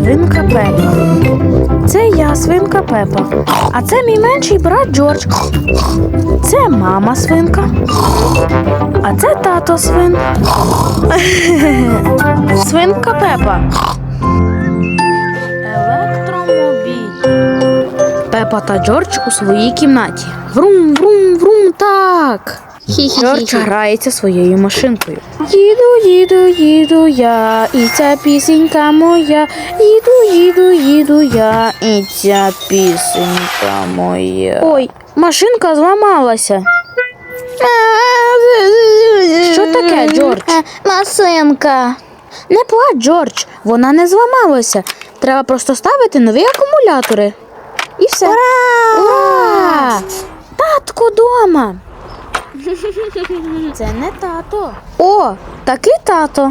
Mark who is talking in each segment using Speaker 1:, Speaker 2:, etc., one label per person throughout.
Speaker 1: свинка Пепа. Це я, свинка Пепа. А це мій менший брат Джордж. Це мама свинка. А це тато свин. Свинка Пепа. Електромобіль. Пепа та Джордж у своїй кімнаті. Врум, врум, врум, так. Джордж грається своєю машинкою. Їду я, і ця пісенька моя. Їду я, і ця пісенька моя. Ой, машинка зламалася. Що таке, Джордж?
Speaker 2: Машинка.
Speaker 1: Не плач, Джордж, вона не зламалася. Треба просто ставити нові акумулятори. І все. Ура! Татко дома. Це не тато. О, такий тато.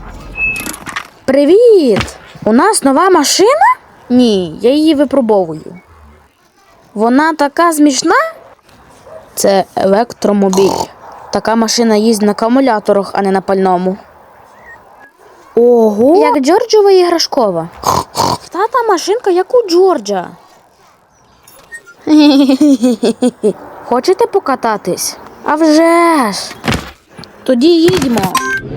Speaker 1: Привіт! У нас нова машина? Ні, я її випробовую. Вона така смішна? Це електромобіль. Така машина їздить на акумуляторах, а не на пальному. Ого! Як Джорджова іграшкова. Тата машинка, як у Джорджа. Хочете покататись? А вже ж! Тоді їдьмо.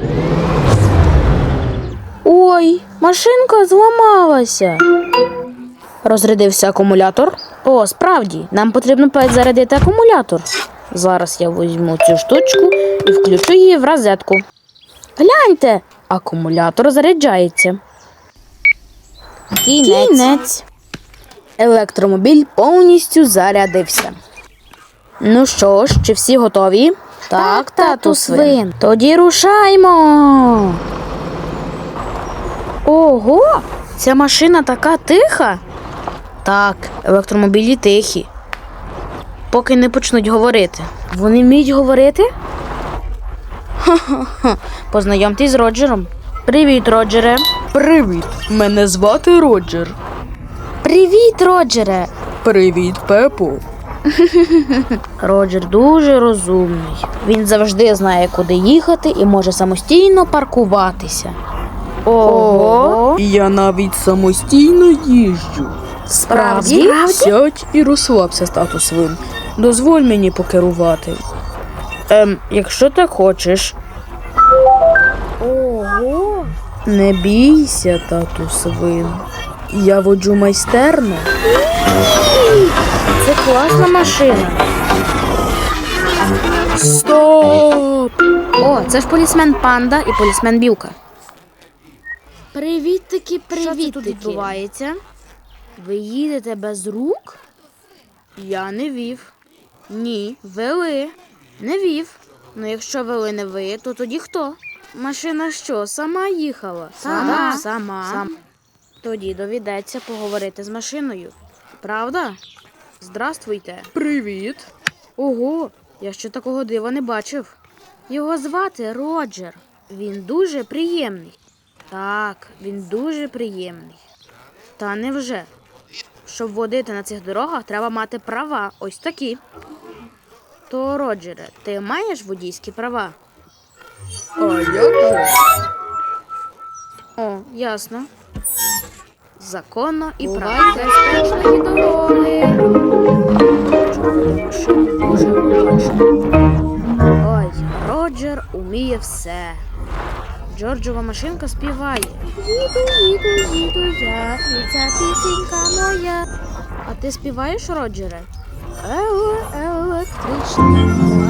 Speaker 1: Ой, машинка зламалася. Розрядився акумулятор. О, справді, нам потрібно зарядити акумулятор. Зараз я візьму цю штучку і включу її в розетку. Гляньте, акумулятор заряджається. Кінець. Електромобіль повністю зарядився. Ну що ж, чи всі готові? Так, тату свин. Тоді рушаймо. Ого, ця машина така тиха. Так, електромобілі тихі. Поки не почнуть говорити. Вони вміють говорити? Ха-ха-ха. Познайомтесь з Роджером. Привіт, Роджере.
Speaker 3: Привіт, мене звати Роджер.
Speaker 1: Привіт, Роджере.
Speaker 3: Привіт, Пепо.
Speaker 1: Роджер дуже розумний. Він завжди знає, куди їхати і може самостійно паркуватися. Ого!
Speaker 3: Я навіть самостійно їжджу.
Speaker 1: Справді?
Speaker 3: Сядь і розслабся, тату свин. Дозволь мені покерувати. Якщо так хочеш.
Speaker 1: Ого!
Speaker 3: Не бійся, тату свин. Я воджу майстерно.
Speaker 1: Це класна машина.
Speaker 3: Стоп!
Speaker 1: О, це ж полісмен Панда і полісмен Білка. Привіт-таки, привіт-таки. Що це тут відбувається? Ви їдете без рук? Я не вів. Ні, вели. Не вів. Ну, якщо вели не ви, то тоді хто? Машина що, сама їхала? Сама. Тоді доведеться поговорити з машиною. Правда? Здравствуйте.
Speaker 3: Привіт.
Speaker 1: Ого, я ще такого дива не бачив. Його звати Роджер. Він дуже приємний. Так, він дуже приємний. Та невже? Щоб водити на цих дорогах, треба мати права. Ось такі. То, Роджере, ти маєш водійські права?
Speaker 3: А як же?
Speaker 1: О, ясно. Законно і правильно. Безпечної дороги. Дуже обачно. Ой, Роджер уміє все. Джорджова машинка співає. Їду я, і ця пісенька моя. А ти співаєш, Роджере? Електричний.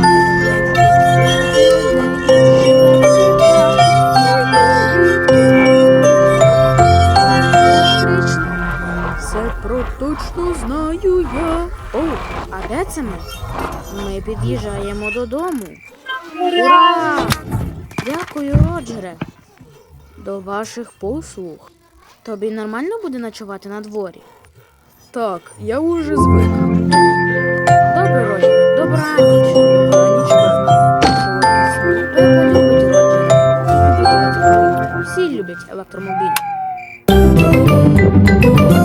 Speaker 3: Все точно знаю я.
Speaker 1: О, а де це ми? Ми під'їжджаємо додому. Ура! Дякую, Роджере. До ваших послуг. Тобі нормально буде ночувати на дворі?
Speaker 3: Так, я уже звик.
Speaker 1: Добре, Роджере, добраніч. Добраніч, Пепа любить Роджера. Всі люблять електромобіль.